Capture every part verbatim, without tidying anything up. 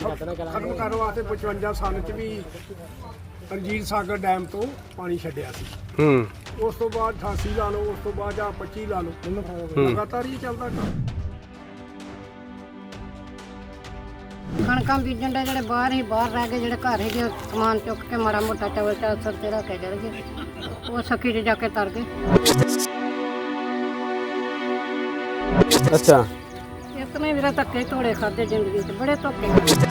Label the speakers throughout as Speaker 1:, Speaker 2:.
Speaker 1: खत्म करने वास्ते पचवंजा सन च भी रणजीत सागर डैम तो पानी छड्डिया सी। उस तो बाद अठासी ला लो, उस तो बाद जां पच्ची ला लो, लगातार ही चलदा काम।
Speaker 2: कणकां बीजण दे ਜਿਹੜੇ ਬਾਹਰ ਹੀ ਬਾਹਰ ਰਹਿ ਗਏ, ਜਿਹੜੇ ਘਰ ਹੈਗੇ ਸਮਾਨ ਚੁੱਕ ਕੇ ਮਾੜਾ ਮੋਟਾ ਚਵਲ ਚਾਲ ਸਿਰ ਤੇ ਰੱਖ ਕੇ ਚਲ ਗਏ, ਉਹ ਸੱਕੀ 'ਚ ਜਾ ਕੇ ਤਰ ਗਏ।
Speaker 3: ਅੱਛਾ,
Speaker 2: ਇੱਕ ਨੇ ਵੀਰਾ ਧੱਕੇ ਧੋੜੇ ਖਾਦੇ ਜ਼ਿੰਦਗੀ 'ਚ, ਬੜੇ ਧੋਕੇ।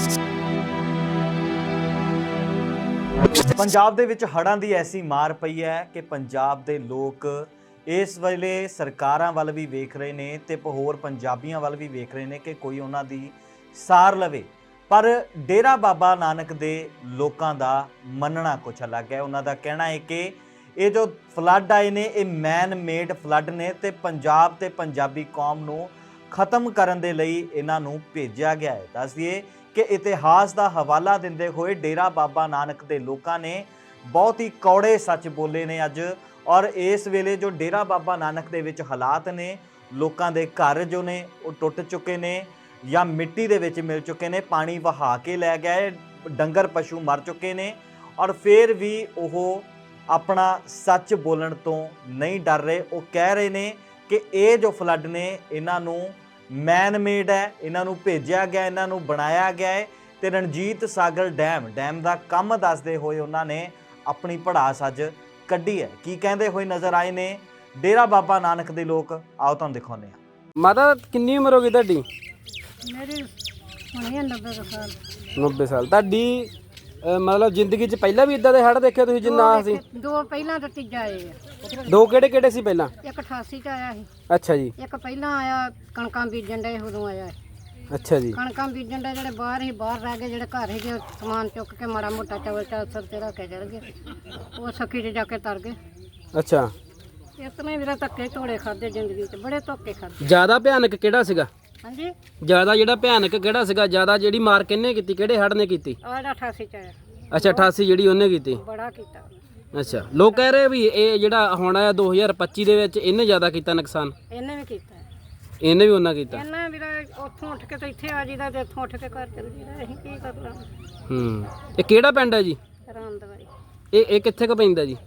Speaker 4: ਪੰਜਾਬ ਦੇ ਵਿੱਚ ਹੜ੍ਹਾਂ ਦੀ ਐਸੀ ਮਾਰ ਪਈ ਹੈ ਕਿ ਪੰਜਾਬ ਦੇ ਲੋਕ ਇਸ ਵੇਲੇ ਸਰਕਾਰਾਂ ਵੱਲ ਵੀ ਵੇਖ ਰਹੇ ਨੇ ਤੇ ਹੋਰ ਪੰਜਾਬੀਆਂ ਵੱਲ ਵੀ ਵੇਖ ਰਹੇ ਨੇ ਕਿ ਕੋਈ ਉਹਨਾਂ ਦੀ ਸਾਰ ਲਵੇ। ਪਰ ਡੇਰਾ ਬਾਬਾ ਨਾਨਕ ਦੇ ਲੋਕਾਂ ਦਾ ਮੰਨਣਾ ਕੁਛ ਅਲੱਗ ਹੈ। ਉਹਨਾਂ ਦਾ ਕਹਿਣਾ ਹੈ ਕਿ ਇਹ ਜੋ ਫਲੱਡ ਆਏ ਨੇ ਇਹ ਮੈਨ ਮੇਡ ਫਲੱਡ ਨੇ ਤੇ ਪੰਜਾਬ ਤੇ ਪੰਜਾਬੀ ਕੌਮ ਨੂੰ ਖਤਮ ਕਰਨ ਦੇ ਲਈ ਇਹਨਾਂ ਨੂੰ ਭੇਜਿਆ ਗਿਆ ਹੈ। ਦੱਸ ਦਈਏ ਕਿ ਇਤਿਹਾਸ ਦਾ ਹਵਾਲਾ ਦਿੰਦੇ ਹੋਏ ਡੇਰਾ ਬਾਬਾ ਨਾਨਕ ਦੇ ਲੋਕਾਂ ਨੇ ਬਹੁਤ ਹੀ ਕੌੜੇ ਸੱਚ ਬੋਲੇ ਨੇ ਅੱਜ। ਔਰ ਇਸ ਵੇਲੇ ਜੋ ਡੇਰਾ ਬਾਬਾ ਨਾਨਕ ਦੇ ਵਿੱਚ ਹਾਲਾਤ ਨੇ, ਲੋਕਾਂ ਦੇ ਘਰ ਜੋ ਨੇ ਉਹ ਟੁੱਟ ਚੁੱਕੇ ਨੇ ਜਾਂ ਮਿੱਟੀ ਦੇ ਵਿੱਚ ਮਿਲ ਚੁੱਕੇ ਨੇ, ਪਾਣੀ ਵਹਾ ਕੇ ਲੈ ਗਏ, ਡੰਗਰ ਪਸ਼ੂ ਮਰ ਚੁੱਕੇ ਨੇ। ਔਰ ਫਿਰ ਵੀ ਉਹ ਆਪਣਾ ਸੱਚ ਬੋਲਣ ਤੋਂ ਨਹੀਂ ਡਰ ਰਹੇ। ਉਹ ਕਹਿ ਰਹੇ ਨੇ ਕਿ ਇਹ ਜੋ ਫਲੱਡ ਨੇ ਇਹਨਾਂ ਨੂੰ ਮੈਨ ਮੇਡ ਹੈ, ਇਹਨਾਂ ਨੂੰ ਭੇਜਿਆ ਗਿਆ, ਇਹਨਾਂ ਨੂੰ ਬਣਾਇਆ ਗਿਆ ਹੈ। ਤੇ ਰਣਜੀਤ ਸਾਗਰ ਡੈਮ ਡੈਮ ਦਾ ਕੰਮ ਦੱਸਦੇ ਹੋਏ ਉਹਨਾਂ ਨੇ ਆਪਣੀ ਭੜਾਸ ਅੱਜ ਕੱਢੀ ਹੈ। ਕੀ ਕਹਿੰਦੇ ਹੋਏ ਨਜ਼ਰ ਆਏ ਨੇ ਡੇਰਾ ਬਾਬਾ ਨਾਨਕ ਦੇ ਲੋਕ, ਆਓ ਤੁਹਾਨੂੰ ਦਿਖਾਉਂਦੇ ਹਾਂ।
Speaker 3: ਮਾਤਾ ਕਿੰਨੀ ਉਮਰ ਹੋ ਗਈ ਤੁਹਾਡੀ?
Speaker 2: ਮੇਰੀ ਹੋਣੀ ਹੈ ਨੱਬੇ ਕੁ ਸਾਲ।
Speaker 3: ਨੱਬੇ ਸਾਲ। ਤੁਹਾਡੀ ਅਹ, ਮਤਲਬ ਜ਼ਿੰਦਗੀ 'ਚ ਪਹਿਲਾਂ ਵੀ ਇਦਾਂ ਦੇ ਹੜ੍ਹ ਦੇਖੇ ਤੁਸੀਂ ਜਿੰਨਾ ਸੀ?
Speaker 2: ਦੋ ਪਹਿਲਾਂ ਤਾਂ ਤੀਜਾ ਆਏ ਆ।
Speaker 3: ਦੋ ਕਿਹੜੇ ਕਿਹੜੇ ਸੀ ਪਹਿਲਾਂ?
Speaker 2: ਇੱਕ ਅਠਾਸੀ 'ਚ ਆਇਆ ਸੀ,
Speaker 3: ਅੱਛਾ ਜੀ।
Speaker 2: ਇੱਕ ਪਹਿਲਾਂ ਆਇਆ ਕਣਕਾਂ ਬੀਜਣ ਦੇ, ਉਦੋਂ ਆਇਆ।
Speaker 3: ਅੱਛਾ ਜੀ।
Speaker 2: ਕਣਕਾਂ ਬੀਜਣ ਦੇ ਜਿਹੜੇ ਬਾਹਰ ਹੀ ਬਾਹਰ ਰਹਿ ਗਏ, ਜਿਹੜੇ ਘਰ ਹੈਗੇ ਸਮਾਨ ਚੁੱਕ ਕੇ ਮਾੜਾ ਮੋਟਾ ਚਵਲ ਚਾਲ ਸਿਰ ਤੇ ਰੱਖ ਕੇ ਚਲ ਗਏ, ਉਹ ਸੱਕੀ 'ਚ ਜਾ ਕੇ ਤਰ ਗਏ।
Speaker 3: ਅੱਛਾ,
Speaker 2: ਇੱਕ ਨੇ ਵੀਰਾ ਧੱਕੇ ਧੋੜੇ ਖਾਦੇ ਜ਼ਿੰਦਗੀ 'ਚ, ਬੜੇ ਧੋਕੇ ਖਾਦੇ।
Speaker 3: ਜ਼ਿਆਦਾ ਭਿਆਨਕ ਕਿਹੜਾ ਸੀਗਾ?
Speaker 2: ਹਾਂਜੀ,
Speaker 3: ਜ਼ਿਆਦਾ ਜਿਹੜਾ ਭਿਆਨਕ ਕਿਹੜਾ ਸੀਗਾ? ਜ਼ਿਆਦਾ ਜਿਹੜੀ ਮਾਰ ਕਿਹਨੇ ਕੀਤੀ, ਕਿਹੜੇ ਹੜ੍ਹ ਨੇ ਕੀਤੀ?
Speaker 2: ਆਹ ਜਿਹੜਾ ਅਠਾਸੀ 'ਚ ਆਇਆ,
Speaker 3: ਅੱਛਾ, ਅਠਾਸੀ ਜਿਹੜੀ ਉਹਨੇ ਕੀਤੀ।
Speaker 2: ਬੜਾ ਕੀਤਾ ਉਹਨੇ।
Speaker 3: ਅੱਛਾ, ਲੋਕ ਕਹਿ ਰਹੇ ਵੀ ਇਹ ਜਿਹੜਾ ਹੁਣ ਆਇਆ ਦੋ ਹਜ਼ਾਰ ਪੱਚੀ ਦੇ ਵਿੱਚ ਇਹਨੇ ਜ਼ਿਆਦਾ ਕੀਤਾ ਨੁਕਸਾਨ।
Speaker 2: ਇਹਨੇ ਵੀ ਕੀਤਾ,
Speaker 3: ਇਹਨੇ ਵੀ ਉਹਨਾਂ ਕੀਤਾ।
Speaker 2: ਇਹਨਾਂ ਵੀਰਾ ਉੱਥੋਂ ਉੱਠ ਕੇ ਤਾਂ ਇੱਥੇ ਆ ਜੀਦਾ ਤੇ ਇੱਥੋਂ ਉੱਠ ਕੇ ਘਰ ਚਲ ਜੀਦਾ, ਅਸੀਂ ਕੀ ਕਰਨਾ।
Speaker 3: ਹੂੰ, ਇਹ ਕਿਹੜਾ ਪਿੰਡ ਹੈ ਜੀ?
Speaker 2: ਰਾਮ ਦਵਾਈ।
Speaker 3: ਇਹ ਇਹ ਕਿੱਥੇ ਕੁ ਪੈਂਦਾ ਜੀ?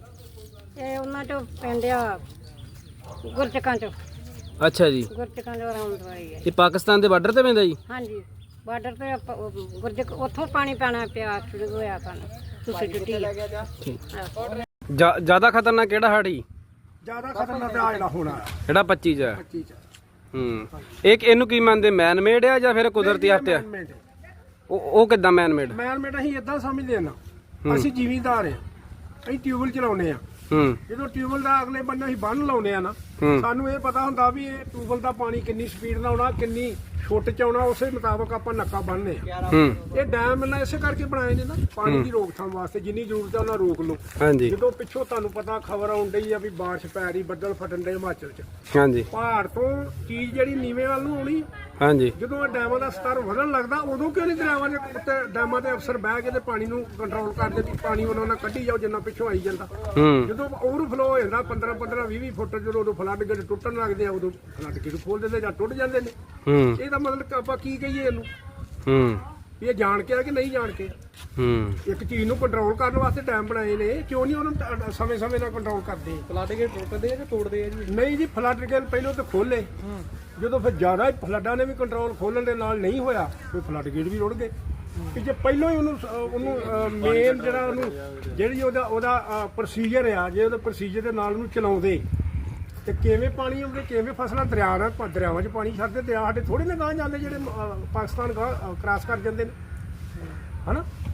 Speaker 2: ਇਹ ਉਹਨਾਂ 'ਚੋਂ ਪਿੰਡ ਆ ਗੁਰਚਕਾਂ 'ਚੋਂ।
Speaker 3: ਅੱਛਾ ਜੀ।
Speaker 2: ਗੁਰਚਕਾਂ 'ਚੋਂ ਰਾਮ ਦਵਾਈ ਹੈ।
Speaker 3: ਇਹ ਪਾਕਿਸਤਾਨ ਦੇ ਬਾਰਡਰ ਤੇ ਪੈਂਦਾ ਜੀ?
Speaker 2: ਹਾਂਜੀ, ਬਾਰਡਰ ਤੇ ਆਪਾਂ ਉਹ ਗੁਰਜਕ ਉੱਥੋਂ ਪਾਣੀ ਪੈਣਾ ਪਿਆ ਸ਼ੁਰੂ ਹੋਇਆ ਪਾਣੀ, ਤੁਸੀਂ ਟੁੱਟੀ ਆ।
Speaker 3: ਜਾ- ਜ਼ਿਆਦਾ ਖਤਰਨਾਕ ਕਿਹੜਾ ਹੜ੍ਹ ਜੀ?
Speaker 1: ਜ਼ਿਆਦਾ ਖਤਰਨਾਕ ਤਾਂ ਆਹ ਜਿਹੜਾ ਹੋਣਾ ਆ
Speaker 3: ਜਿਹੜਾ ਪੱਚੀ ਚ ਆ।
Speaker 1: ਪੱਚੀ ਚ
Speaker 3: ਹੂੰ, ਇਹ ਇਹਨੂੰ ਕੀ ਮੰਨਦੇ, ਮੈਨ ਮੇਡ ਆ ਜਾਂ ਫਿਰ ਕੁਦਰਤੀ ਆਫਤ ਆ?
Speaker 1: ਮੈਨ
Speaker 3: ਉਹ ਉਹ ਕਿੱਦਾਂ ਮੈਨ ਮੇਡ?
Speaker 1: ਮੇਡ ਅਸੀਂ ਇਦਾਂ ਸਮਝਦੇ ਆ ਨਾ, ਅਸੀਂ ਜ਼ਿਮੀਂਦਾਰ ਆ, ਅਸੀਂ ਟਿਊਬਲ ਚਲਾਉਂਦੇ ਆ।
Speaker 3: ਹੂੰ
Speaker 1: ਜਦੋਂ ਟਿਊਬਲ ਦਾ ਅਗਲੇ ਬੰਨੇ ਅਸੀਂ ਬੰਨ ਲਾਉਂਦੇ ਆ ਨਾ,
Speaker 3: ਹੂੰ
Speaker 1: ਸਾਨੂੰ ਇਹ ਪਤਾ ਹੁੰਦਾ ਵੀ ਇਹ ਟਿਊਬਲ ਦਾ ਪਾਣੀ ਕਿੰਨੀ ਸਪੀਡ ਨਾਲ ਆਉਣਾ, ਕਿੰਨੀ ਛੁੱਟ ਚ ਆਉਣਾ, ਉਸੇ ਮੁਤਾਬਕ ਆਪਾਂ ਨੱਕਾ ਬੰਨ੍ਹਦੇ ਆ।
Speaker 3: ਹੂੰ
Speaker 1: ਇਹ ਡੈਮ ਇਹਨਾਂ ਇਸੇ ਕਰਕੇ ਬਣਾਏ ਨੇ ਨਾ, ਪਾਣੀ ਦੀ ਰੋਕਥਾਮ ਵਾਸਤੇ। ਜਿੰਨੀ ਜ਼ਰੂਰਤ ਹੈ ਉਹਨਾਂ ਰੋਕ ਲਓ।
Speaker 3: ਹਾਂਜੀ
Speaker 1: ਜਦੋਂ ਪਿੱਛੋਂ ਤੁਹਾਨੂੰ ਪਤਾ ਖਬਰ ਆਉਣ ਡਈ ਆ ਵੀ ਬਾਰਿਸ਼ ਪੈ ਰਹੀ, ਬੱਦਲ ਫਟਣ ਦੇ ਹਿਮਾਚਲ ਚ,
Speaker 3: ਹਾਂਜੀ
Speaker 1: ਪਹਾੜ ਤੋਂ ਚੀਜ਼ ਜਿਹੜੀ ਨੀਵੇਂ ਵੱਲ ਨੂੰ ਆਉਣੀ,
Speaker 3: ਹਾਂਜੀ
Speaker 1: ਜਦੋਂ ਇਹ ਡੈਮਾਂ ਦਾ ਸਤਰ ਵਧਣ ਲੱਗਦਾ ਉਦੋਂ ਕਿਉਂ ਨਹੀਂ ਦਰਿਆਵਾਂ ਦੇ ਉੱਤੇ ਡੈਮਾਂ ਦੇ ਅਫਸਰ ਬਹਿ ਕੇ ਤੇ ਪਾਣੀ ਨੂੰ ਕੰਟਰੋਲ ਕਰਦੇ ਵੀ ਪਾਣੀ ਉਹਨਾਂ ਨਾਲ ਕੱਢੀ ਜਾਓ ਜਿੰਨਾ ਪਿੱਛੋਂ ਆਈ ਜਾਂਦਾ।
Speaker 3: ਹੂੰ
Speaker 1: ਜਦੋਂ ਓਵਰਫਲੋ ਹੋ ਜਾਂਦਾ ਪੰਦਰਾਂ ਪੰਦਰਾਂ ਵੀਹ ਵੀਹ ਫੁੱਟ, ਜਦੋਂ ਉਦੋਂ ਫਲੱਡ ਗੇਟ ਟੁੱਟਣ ਲੱਗਦੇ ਆ, ਉਦੋਂ ਫਲੱਡ ਗੇਟ ਖੋਲ ਦਿੰਦੇ ਜਾਂ ਟੁੱਟ ਜਾਂਦੇ ਨੇ।
Speaker 3: ਹੂੰ
Speaker 1: ਇਹਦਾ ਮਤਲਬ ਕਿ ਆਪਾਂ ਕੀ ਕਹੀਏ ਇਹਨੂੰ,
Speaker 3: ਹੂੰ
Speaker 1: ਵੀ ਇਹ ਜਾਣ ਕੇ ਆ ਕਿ ਨਹੀਂ ਜਾਣ ਕੇ?
Speaker 3: ਹੂੰ
Speaker 1: ਇੱਕ ਚੀਜ਼ ਨੂੰ ਕੰਟਰੋਲ ਕਰਨ ਵਾਸਤੇ ਡੈਮ ਬਣਾਏ ਨੇ, ਕਿਉਂ ਨਹੀਂ ਉਹਨੂੰ ਸਮੇਂ ਸਮੇਂ ਨਾਲ ਕੰਟਰੋਲ ਕਰਦੇ? ਫਲੱਡ ਗੇਟ ਟੁੱਟਦੇ ਆ ਕਿ ਤੋੜਦੇ ਆ ਜੀ? ਨਹੀਂ ਜੀ, ਫਲੱਡ ਗੇਟ ਪਹਿਲਾਂ ਤਾਂ ਖੋਲੇ, ਜਦੋਂ ਫਿਰ ਜ਼ਿਆਦਾ ਫਲੱਡਾਂ ਨੇ ਵੀ ਕੰਟਰੋਲ ਖੋਲਣ ਦੇ ਨਾਲ ਨਹੀਂ ਹੋਇਆ, ਫਿਰ ਫਲੱਡ ਗੇਟ ਵੀ ਰੁੜ ਗਏ। ਕਿ ਜੇ ਪਹਿਲਾਂ ਹੀ ਉਹਨੂੰ ਉਹਨੂੰ ਮੇਨ ਜਿਹੜਾ ਉਹਨੂੰ ਜਿਹੜੀ ਉਹਦਾ ਉਹਦਾ ਪ੍ਰੋਸੀਜਰ ਆ, ਜੇ ਉਹਦੇ ਪ੍ਰੋਸੀਜਰ ਦੇ ਨਾਲ ਉਹਨੂੰ ਚਲਾਉਂਦੇ ਤੇ ਕਿਵੇਂ ਪਾਣੀ ਆਉਂਦੇ, ਕਿਵੇਂ ਫਸਲਾਂ ਦਰਿਆ ਨਾਲ ਦਰਿਆਵਾਂ 'ਚ ਪਾਣੀ ਛੱਡਦੇ। ਦਰਿਆ ਸਾਡੇ ਥੋੜੇ ਨਾ ਗਾਂਹ ਜਾਂਦੇ ਜਿਹੜੇ ਪਾਕਿਸਤਾਨ ਗਾਂਹ ਕ੍ਰਾਸ ਕਰ ਜਾਂਦੇ ਨੇ, ਹਨਾ।